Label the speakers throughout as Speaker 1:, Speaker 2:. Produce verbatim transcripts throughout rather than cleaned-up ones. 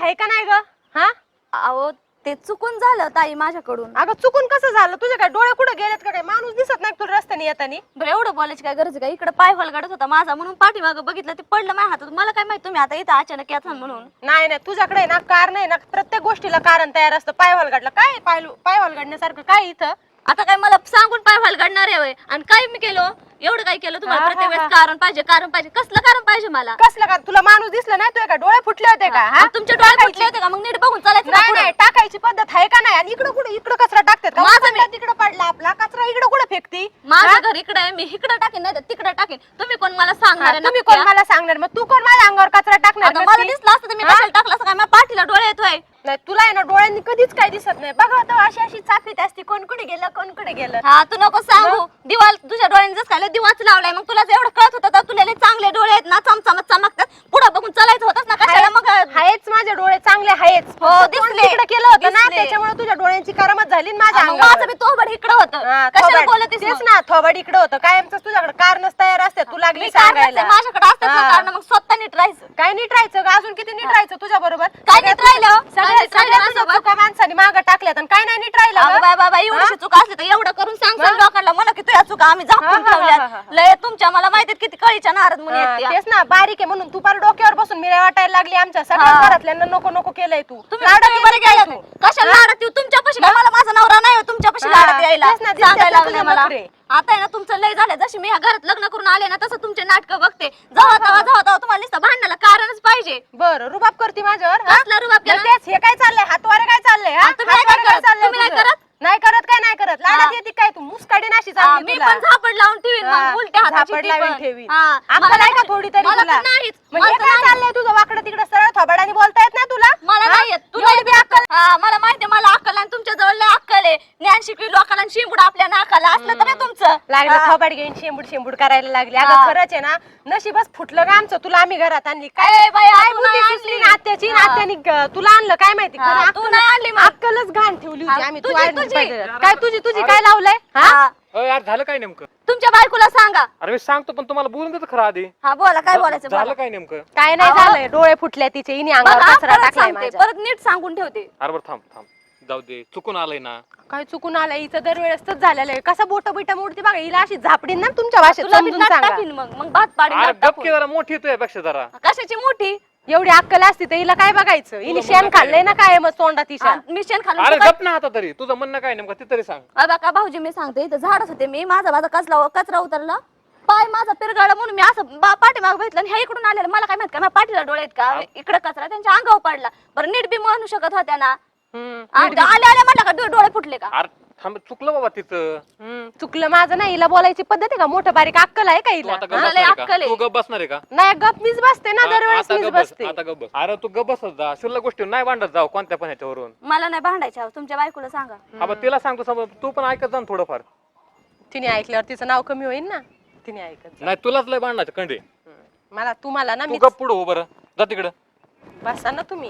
Speaker 1: आहे का नाही ग? हा
Speaker 2: अहो ते चुकून झालं ताई माझ्याकडून.
Speaker 1: अगं चुकून कसं झालं? तुझे काय डोळे कुठे गेलेत का? काय माणूस दिसत नाही तुला रस्त्याने येतानी?
Speaker 2: बरं एवढं बोलायची काय गरज आहे का? इकडे पाय हलगडत होता माझा म्हणून पाठीमागं बघितलं ते पडलं माझ्या हातात. मला काय माहित तुम्ही आता इथं अचानक याचा म्हणून.
Speaker 1: नाही नाही तुझ्याकडे ना कारण आहे ना, प्रत्येक गोष्टीला कारण तयार असतं. पाय हलगडला काय? पाय पाय हलगडण्यासारखं काय इथं?
Speaker 2: आता काय मला सांगून पाय हलगडणार आहे आणि काय मी केलं एवढं काय केलं तुम्हाला? प्रत्येक वेळेस कारण पाहिजे कारण पाहिजे. कसलं कारण पाहिजे मला?
Speaker 1: कसलं का? तुला माणूस दिसला नाही? तुझे काय डोळे फुटले होते का? हा
Speaker 2: तुमचे डोळे फुटले होते का? मग नीट बघून चालायचं ना
Speaker 1: नाही
Speaker 2: पुढं.
Speaker 1: नाही टाकायची पद्धत आहे का नाही? आणि इकडं कुठे इकडं कचरा टाकतात का?
Speaker 2: माझं
Speaker 1: माझा तिकडं पडला आपला कचरा इकडं कुठे फेकती?
Speaker 2: माझं घर इकडे आहे, मी इकडे टाकेन नाही तर तिकडे टाकेन. तुम्ही कोण मला सांगणार आहे?
Speaker 1: तुम्ही
Speaker 2: नक्की
Speaker 1: कोण मला सांगणार? मग तू कोण माझ्या अंगावर कचरा टाकणार?
Speaker 2: आता मला
Speaker 1: नक्की?
Speaker 2: दिसलं असतं तर मी कशाला टाकलं असं? काय माझ्या पाठीला डोळे येतोय?
Speaker 1: नाही तुला आहे ना डोळ्यांनी कधीच काही दिसत नाही. बघा तर अशी अशी चाफीत असते, कोण कुठे गेलं कोण कुठे गेलं.
Speaker 2: हा तू नको सांगू. दिवा तुझ्या डोळ्यांनी जसं काय दिवाच लावलाय. मग तुला जर एवढं कळत होतं तर तुला लय चांगले डोळे आहेत ना, चमचमत चमकतात. पुढे बघून चालायचं होतच ना. कशाला मग?
Speaker 1: आहेच माझे डोळे चांगले आहेच.
Speaker 2: हो,
Speaker 1: फक्त
Speaker 2: दिसले.
Speaker 1: तोंड तिकडे केलं होतं ना,
Speaker 2: दिसले.
Speaker 1: त्याच्यामुळे तुझ्या डोळ्यांची करामत झाली ना माझ्या
Speaker 2: मग
Speaker 1: अंगावर.
Speaker 2: माझं बी तोबड इकडे होतं.
Speaker 1: हा,
Speaker 2: कशाला
Speaker 1: थोबाड.
Speaker 2: बोलतेस
Speaker 1: तेच
Speaker 2: मग?
Speaker 1: ना थोबाड इकडे होतं. कायमच तुझ्याकडे कारणच तयार असते. तू लागली
Speaker 2: मी कारण
Speaker 1: सांगायला.
Speaker 2: नसते, माझ्याकडे असतात ना
Speaker 1: हा.
Speaker 2: कारण. मग स्वतः नीट राहायचं.
Speaker 1: काय नीट राहायचं ग? अजून किती नीट राहायचं तुझ्या बरोबर?
Speaker 2: काय नीट राहिलं? काय
Speaker 1: सगळ्या
Speaker 2: नीट राहिलं
Speaker 1: सगळ्या
Speaker 2: माझ्यासोबत?
Speaker 1: तुझ्या चुका माणसाने मागं टाकल्यात आणि काय नाही नीट राहिलं
Speaker 2: अगं
Speaker 1: ग?
Speaker 2: बाय बाबा एवढी चुका असली तर एवढं करून सांग सांग लोकांना मला की तुझ्या चुका आम्ही
Speaker 1: हा,
Speaker 2: झाकून
Speaker 1: हा, हा, हा,
Speaker 2: ठेवल्यात.
Speaker 1: हा.
Speaker 2: लय तुमच्या मला माहितीत किती कळीच्या नारद मुली
Speaker 1: हा,
Speaker 2: आहेत त्या.
Speaker 1: तेच ना बारीक आहे म्हणून तू पार डोक्यावर बसून मिळ्या वाटायला लागली आमच्या सगळ्या
Speaker 2: हा.
Speaker 1: घरातल्यांना नको नको केलंय तू.
Speaker 2: तुम्ही
Speaker 1: लाडात
Speaker 2: तुम्ही बरे
Speaker 1: येते काय
Speaker 2: गेलात.
Speaker 1: तू?
Speaker 2: कशाला लाडत येऊ तुमच्यापाशी? काय मला माझा नवरा नाही हो तुमच्यापाशी
Speaker 1: हा,
Speaker 2: लाडत यायला
Speaker 1: तेच ना, दिसतात
Speaker 2: सांगायला
Speaker 1: ना
Speaker 2: लागले
Speaker 1: तुझे
Speaker 2: मला.
Speaker 1: नखरे.
Speaker 2: आता आहे ना तुमचं लय झालं. जशी मी ह्या घरात लग्न करून आले ना तसं तुमचे नाटक बघते. जावा जावा जावा जावा तुम्हाला नुसतं भांडणाला कारणच पाहिजे.
Speaker 1: बरं रुबाब करते माझ्यावर हा?
Speaker 2: कसला रुबाब केला?
Speaker 1: मग तेच हे काय चाललंय? हातवारे काय चाललंय? हा?
Speaker 2: आणि तुम्ही नाही
Speaker 1: हातवारे
Speaker 2: काय करत?
Speaker 1: चाललंय
Speaker 2: तुम्ही नाही
Speaker 1: तुझं?
Speaker 2: करत?
Speaker 1: नाही करत काय नाही करत?
Speaker 2: हा.
Speaker 1: लाडात येते काय तू? मुसकाडी नाशी
Speaker 2: हा,
Speaker 1: चालली
Speaker 2: मी
Speaker 1: तुला.
Speaker 2: पण झापड लावून ठेवीन
Speaker 1: हा,
Speaker 2: मग उलट्या हाताची
Speaker 1: झापड
Speaker 2: ती
Speaker 1: लावून
Speaker 2: पण.
Speaker 1: ठेवीन.
Speaker 2: हा,
Speaker 1: अक्कल
Speaker 2: मला
Speaker 1: आहे का
Speaker 2: नाही-
Speaker 1: थोडी तरी
Speaker 2: मला
Speaker 1: तुला?
Speaker 2: तर नाहीच.
Speaker 1: मग
Speaker 2: मला
Speaker 1: हे
Speaker 2: तर
Speaker 1: काय
Speaker 2: नाही.
Speaker 1: चाललंय तुझं? वाकडं तिकडं सरळ थोबाडाने बोलता येत नाही तुला?
Speaker 2: मला
Speaker 1: हा?
Speaker 2: नाही येत. तुला
Speaker 1: एवढी बी
Speaker 2: अक्कल? हा मला माहिती मला अक्कल आणि तुमच्या जवळ लय अक्कल आहे. ज्ञान शिकवी लोकांना आणि शिंबूड आपल्या नाकाला असलं तर हे तुमचं
Speaker 1: लागलं
Speaker 2: हा.
Speaker 1: थोबाड घेऊन शेंबूड शेंबूड करायला लागली.
Speaker 2: हा.
Speaker 1: अगं खरंच आहे ना, नशीबच फुटलं का आमचं तुला आम्ही घरात आणली. काय
Speaker 2: ए बाई,
Speaker 1: काय
Speaker 2: तू
Speaker 1: बुद्धी
Speaker 2: नाही
Speaker 1: सुचली
Speaker 2: आणली.
Speaker 1: ना आत्याची ना
Speaker 2: हा.
Speaker 1: आत्यानी ग- तुला आणलं काय माहिती?
Speaker 2: हा,
Speaker 1: खरं
Speaker 2: तू
Speaker 1: अक्कल-
Speaker 2: नाही आणली मग.
Speaker 1: अक्कलच घाण ठेवली होती
Speaker 2: हा,
Speaker 1: आम्ही. तू
Speaker 2: तुझी-
Speaker 1: आणली
Speaker 2: तुझी.
Speaker 1: पाहिजे. काय तुझी तुझी काय लावलंय? हा?
Speaker 2: हा.
Speaker 3: अरे यार झालं काय नेमकं?
Speaker 2: तुमच्या बायकोला सांगा.
Speaker 3: अरे मी सांगतो पण तुम्हाला बोलून देतो खरं आधी.
Speaker 2: हा बोला काय बोलायचं
Speaker 3: झालं
Speaker 2: बोला.
Speaker 3: काय नेमकं?
Speaker 1: काय नाही
Speaker 2: अहो.
Speaker 1: झालंय. डोळे फुटले तिचे. इनी अंगावर
Speaker 2: बघा,
Speaker 1: कचरा
Speaker 2: परत
Speaker 1: टाकलाय
Speaker 2: सांगते,
Speaker 1: माझ्या.
Speaker 2: परत नीट सांगून ठेवते.
Speaker 3: अरे बरं थांब थांब जाऊ दे चुकून आलंय ना.
Speaker 1: काय चुकून आलंय? हिचं दरवेळेस तच झालेलं आहे. कसं बोट बिट मोडती बघा. हिला अशी झापडीन ना तुमच्या भाषेत
Speaker 2: तुला
Speaker 1: समजून
Speaker 2: बिनधास्त
Speaker 1: सांगा.
Speaker 2: टाकीन मग मग भात पाडीन
Speaker 3: अरे
Speaker 2: भात
Speaker 3: गप
Speaker 2: टाकून.
Speaker 3: की जरा मोठी येतोय पेक्षा जरा.
Speaker 2: कशाची मोठी?
Speaker 1: एवढी अक्कल असती तर हिला काय बघायचं? हिने
Speaker 3: तुला
Speaker 1: शेण
Speaker 3: म्हणणं
Speaker 1: खाल्लंय ना काय मग तोंडात तिच्या.
Speaker 2: हा, मिशन खालून
Speaker 3: अरे
Speaker 2: तू काय-
Speaker 3: गप ना आता तरी तुझं म्हणणं काय नेमकं ते तरी सांग.
Speaker 2: अ बघा भाऊजी मी सांगते इथं झाडच होते मी माझा माझा कचरा कचरा उतरला पाय माझा पिरगाळा म्हणून मी असं पाठीमाग बघितलं आणि ह्या इकडून आलेलं मला काय माहित का माझ्या पाठीला डोळे आहेत का इकडे कचरा त्यांच्या अंगावर पडला. बरं नीट बी म्हणू शकत होत्या ना.
Speaker 1: हम्म.
Speaker 2: आले आले म्हटलं का डो- डोळे फुटले का?
Speaker 3: अरे थांब चुकलं बाबा तिचं.
Speaker 1: हम्म. चुकलं माझं नाही. हिला बोलायची पद्धत आहे का? मोठं बारीक अक्कल आहे का
Speaker 3: तू
Speaker 1: हिला?
Speaker 3: आता गप
Speaker 2: मला
Speaker 3: बसणार आहे
Speaker 2: अक्कल
Speaker 3: का?
Speaker 2: आहे.
Speaker 3: तू गप बसणार आहे का?
Speaker 1: नाही गप मीच बसते ना
Speaker 3: हा,
Speaker 1: दरवेळेस
Speaker 3: आता
Speaker 1: मीच
Speaker 3: गप बस
Speaker 1: बसते.
Speaker 3: आता गप बस. अरे तू गप बसत जा शुल्लक गोष्टी नाही भांडत जाऊ कोणत्या पण ह्याच्यावरून.
Speaker 2: मला नाही भांडायच्या तुमच्या बायकोला सांगा.
Speaker 3: आपण तिला सांगतो समज तू पण ऐकत जा ना थोडंफार.
Speaker 1: तिने ऐकल्यावर तिचं नाव कमी होईल ना. तिने ऐकत जा.
Speaker 3: नाही तुलाच लय भांडायचं कंडे.
Speaker 1: हम्म. मला तुम्हाला ना
Speaker 3: तू
Speaker 1: मी
Speaker 3: गप पुढं हो बरं जा तिकडं.
Speaker 1: बसा ना तुम्ही.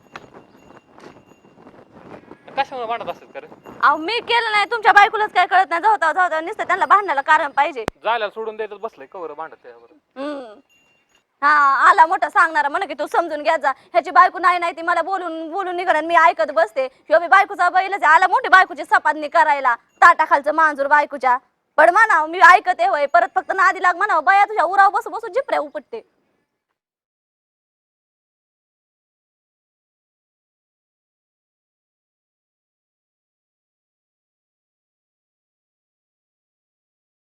Speaker 3: कशामुळे भांडत असतात का रे?
Speaker 2: अहो मी केलं नाही तुमच्या बायकोलाच काय कळत नाही जाऊ जाऊ जाऊ नुसतं त्यांना भांडणाला कारण पाहिजे.
Speaker 3: जायला सोडून द्यायचं बसलंय कवर भांडत त्यावर.
Speaker 2: हम्म. हा आला मोठा सांगणारा म्हणे की तू समजून घ्या जा ह्याची बायको नाही नाही ती मला बोलून बोलून निघणार मी ऐकत बसते. ह्यो बी बायकोचा बैलच आहे. आला मोठी बायकोची सपादनी करायला ताटाखालचं मांजूर बायकोच्या. पण म्हणाव मी ऐकते होय परत फक्त नादी लाग म्हणावं बया तुझ्या उराव बसू बसू जिपऱ्या उपटते.